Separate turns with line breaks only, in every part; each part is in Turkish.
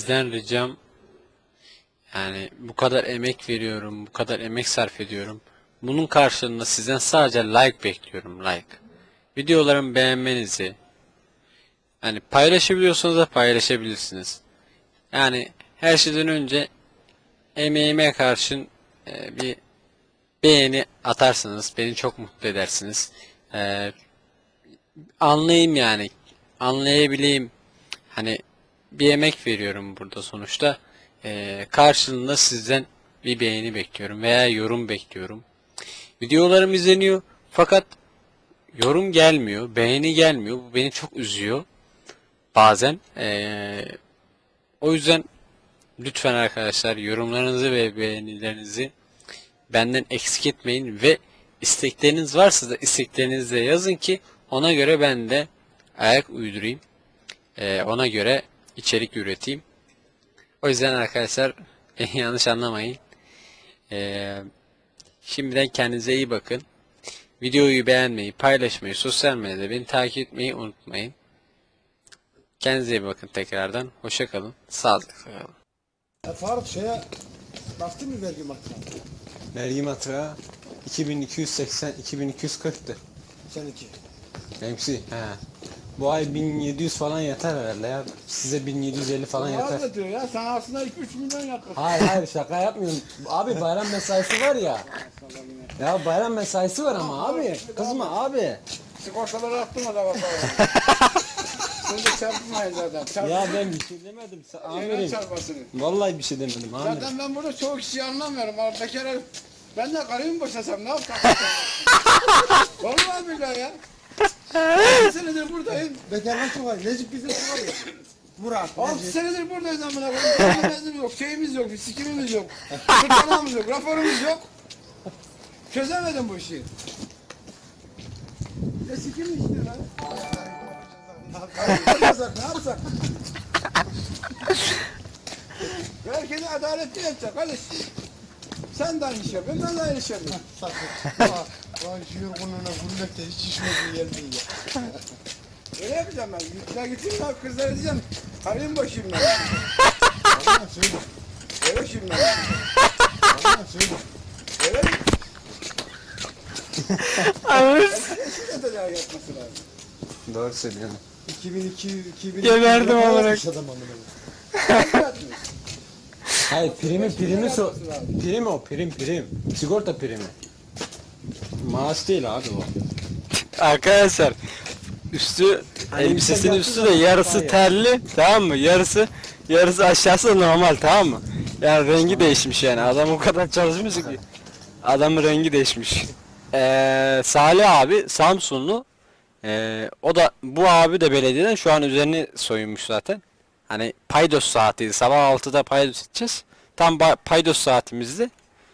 sizden ricam, yani bu kadar emek veriyorum, bu kadar emek sarf ediyorum. Bunun karşılığında sizden sadece like bekliyorum, like. Videolarımı beğenmenizi, yani paylaşabiliyorsanız da paylaşabilirsiniz. Yani her şeyden önce emeğime karşın bir beğeni atarsanız beni çok mutlu edersiniz. E, Anlayayım yani, anlayabileyim. Hani bir emek veriyorum burada sonuçta. Karşılığında sizden bir beğeni bekliyorum veya yorum bekliyorum. Videolarım izleniyor fakat yorum gelmiyor, beğeni gelmiyor. Bu beni çok üzüyor bazen. O yüzden lütfen arkadaşlar yorumlarınızı ve beğenilerinizi benden eksik etmeyin ve istekleriniz varsa da isteklerinizi de yazın ki ona göre ben de ayak uydurayım. Ona göre içerik üreteyim. O yüzden arkadaşlar beni yanlış anlamayın. Şimdiden kendinize iyi bakın. Videoyu beğenmeyi, paylaşmayı, sosyal medyada beni takip etmeyi unutmayın. Kendinize iyi bakın tekrardan. Hoşça kalın. Sağlıcakla kalın.
Faruk şeye baktın mı vergi matrağına?
Vergi matrağı 2280 2240'tı.
Seninki.
Benimkisi he. Bu ay 1700 falan yeter herhalde ya. Size 1750 falan yeter.
Ne diyor ya? Sen aslında 2-3 milyon yakın.
Hayır şaka yapmıyorum. Abi bayram mesaisi var ya. Ya bayram mesaisi var ama abi. Kızma abi.
Sigortaları attım da bakalım. Sen de çarpmayın zaten.
Ya ben bir şey demedim. Amirim.
Çarpmasını.
Vallahi bir şey demedim amirim.
Zaten ben burada çoğu kişiyi anlamıyorum. Abi bekar herif. Ben de karıyı mı boşasam ne yapsam? Vallahi billahi ya. 6 senedir buradayım.
Bekarlar çok var. Necip bizim çok var ya. Murat,
6
Necip.
senedir buradayız amına koyayım. Kahvemizimiz yok, şeyimiz yok, sikimimiz yok. Kırtlanamız yok, raporumuz yok. Çözemedim bu işi. Ne sikim işte lan? Ne yapsak, ne yapsak? Herkese adaletli yapacak kardeş. Sen de aynı iş yapıyorsun, ben de aynı iş yapıyorum.
Vay şu yorgunluğuna gülmekte hiç işime gelmiyor ya.
Öyle yapacağım ben. Ya gideyim ben kızlara diyeceğim. Karıyım boşayım ben.
Allah'ım söyle.
Öyle şimdi.
Allah'ım söyle.
Öyle mi? Eşine tedavi yapması lazım.
Doğru söylüyorsun.
2002
Geberdim
olarak.
olarak.
Adam amına.
Hayır prim o prim. Sigorta primi. Maaş değil abi o.
Arkadaşlar üstü
Hani
elbisesinin
bir
üstü
şey
de
yaptığı
yarısı
zaman
terli, tamam mı? Yarısı aşağısı da normal, tamam mı? Yani rengi değişmiş yani. Adam o kadar çalışmış ki. Adamın rengi değişmiş. Salih abi Samsunlu. O da bu abi de belediyeden şu an üzerini soyunmuş zaten. Hani paydos saatiydi. Sabah 6'da paydos edeceğiz. Tam paydos saatimizdi.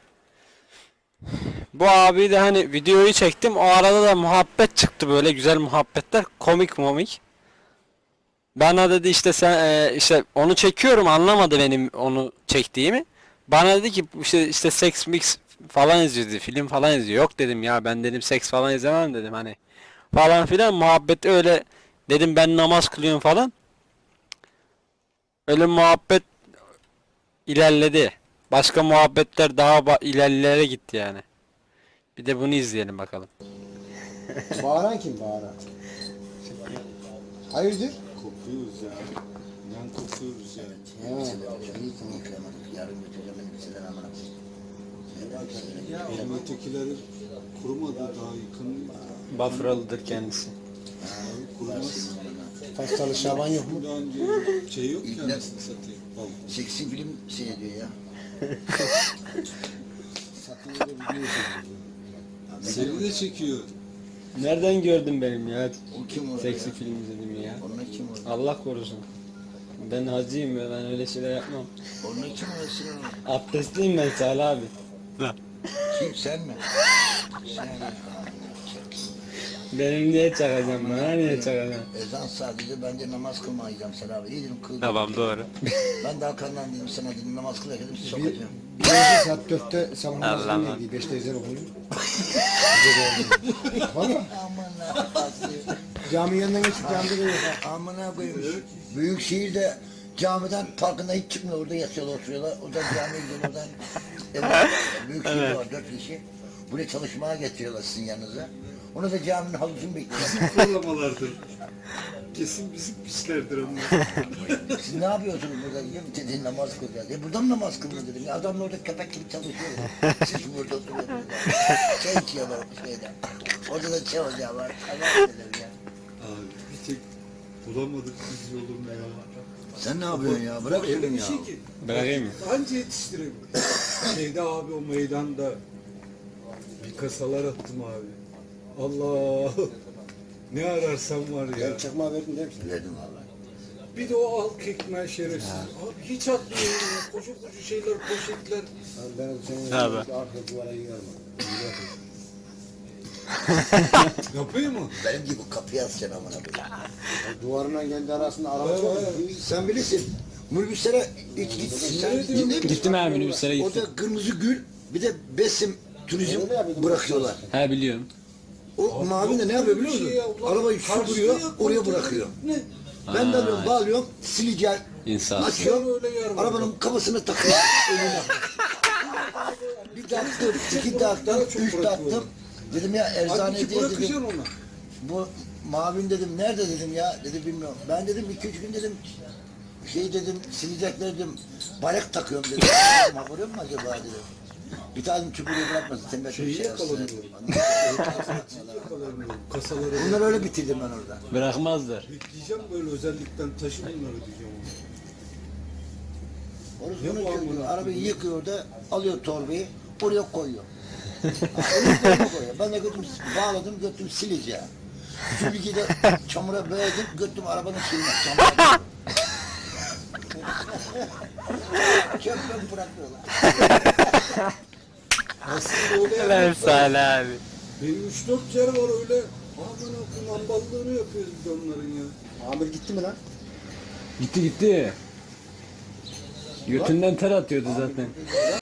Bu abi de hani videoyu çektim. O arada da muhabbet çıktı, böyle güzel muhabbetler. Komik. Bana dedi işte sen işte onu çekiyorum, anlamadı benim onu çektiğimi. Bana dedi ki işte seks mix falan izliyor dedi, film falan izliyor. Yok dedim ya, ben dedim seks falan izlemem dedim hani. Falan filan muhabbet öyle, dedim ben namaz kılıyorum falan. Öyle muhabbet ilerledi. Başka muhabbetler daha ilerlere gitti yani. Bir de bunu izleyelim bakalım.
Bağıran kim bağıran? Hayırdır?
Kokuyoruz ya. Yan kokuyoruz ya. Benim ötekileri kurumadı daha yakın.
Bafralıdır kendisi.
Kurumaz.
Pastalı Şaban yok mu?
Daha önce şey yok ki anasını satayım.
Seksi film seyrediyor ya.
Seni de çekiyor.
Nereden gördün benim ya?
O kim orada
Seksi
ya?
film izledim ya.
Onlar kim orada?
Allah korusun. Ben hacıyım ya, ben öyle şeyler yapmam.
Onlar kim orada Sinan?
Abdestliyim ben Salih abi.
Kim sen mi? Sen
Benim niye çakacağım, bana niye çakacaksın?
ezan sadece ben de namaz kılmayacağım sen abi. İyi dedim kıl.
Tamam, doğru.
Ben de arkandan dedim sana dedim namaz kıl dedim sokacağım.
Birinci saat 4'te sabah
Allah
namazını
Allah.
neydi? 5'te ezan okunuyor.
Aman
Cami yanından geçip camide de yok.
amına koyayım. Büyük şehirde Camiden parkında hiç çıkmıyor. Orada yatıyorlar, oturuyorlar. Oradan camiye gidiyorlar. Oradan eve büyük şehir var. 4 kişi. Buraya çalışmaya getiriyorlar sizin yanınıza. Onu da caminin havuzunu bekliyorlar.
Zorlamalardır. Kesin bizim pislerdir onlar.
Siz ne yapıyorsunuz burada? Ya dedi namaz kılacağız. Burada mı namaz kılıyor dedim. Ya adam da orada köpek gibi çalışıyor. Siz burada oturuyorsunuz. Çay içiyorlar şeyden. Orada da çay ocağı var. Allah dedim ya.
Abi bir tek bulamadık biz yolunu ya.
Sen ne yapıyorsun ya? Bırak şunu
Öyle bir
ya.
şey ki.
Bırakayım mı?
Anca yetiştirelim. Şeyde abi o meydanda bir kasalar attım abi. Allah! Ne ararsam var ya.
Ben çakmağı verdim değil mi?
Verdim vallahi.
Bir de o halk ekmeği şerefsiz. Abi hiç atmıyor ya. Koca koca şeyler, poşetler.
Ben senin
Abi.
arka duvara yığarım.
Yapıyor mu?
Benim gibi kapıya atacaksın amına koyayım.
Duvarına kendi arasında araba var.
Sen bilirsin. Minibüslere hiç sen gittin mi?
Gittim abi, minibüslere gittim.
Orada kırmızı gül bir de besim turizm bırakıyorlar.
He biliyorum.
O mavi de ne yapıyor biliyor musun? Arabayı süpürüyor, oraya bırakıyor.
Ne?
Ben de alıyorum, bağlıyorum, sileceğim,
İnsan.
açıyorum,
Öyle yer var.
arabanın kafasını takıyor önüne. Bir taktım, iki taktım, üç taktım. Dedim ya eczane
Halbuki
diye
bırakacaksın
dedim.
onu.
Bu mavin dedim, nerede dedim ya, dedi bilmiyorum. Ben dedim 2-3 gün dedim, şey dedim, silecekler dedim, balık takıyorum dedim. Haberim mi acaba dedim. Bir tane çubuğu bırakmasın, sen de
Şeyi
şey
yakalanıyor.
yapsın.
Kasaları
Bunları öyle bitirdim ben orada.
Bırakmazlar.
yükleyeceğim böyle özellikten taşı bunları diyeceğim ona.
Orası
Ne
bunu
bu
çözüyor.
amına?
Arabayı yıkıyor da alıyor torbayı oraya koyuyor. Oraya koyuyor. Ben de götüm bağladım götüm sileceğim. Süpürgeyi de çamura boyadım götüm arabanın şeyine çamura. Çöpten bırakıyorlar.
Aslında öyle
Lan
yapmak
Salih abi.
Benim 3-4 yer var öyle. Aman okuyun amballığını yapıyoruz biz onların ya.
Amir gitti mi lan?
Gitti gitti. Götünden ter atıyordu zaten.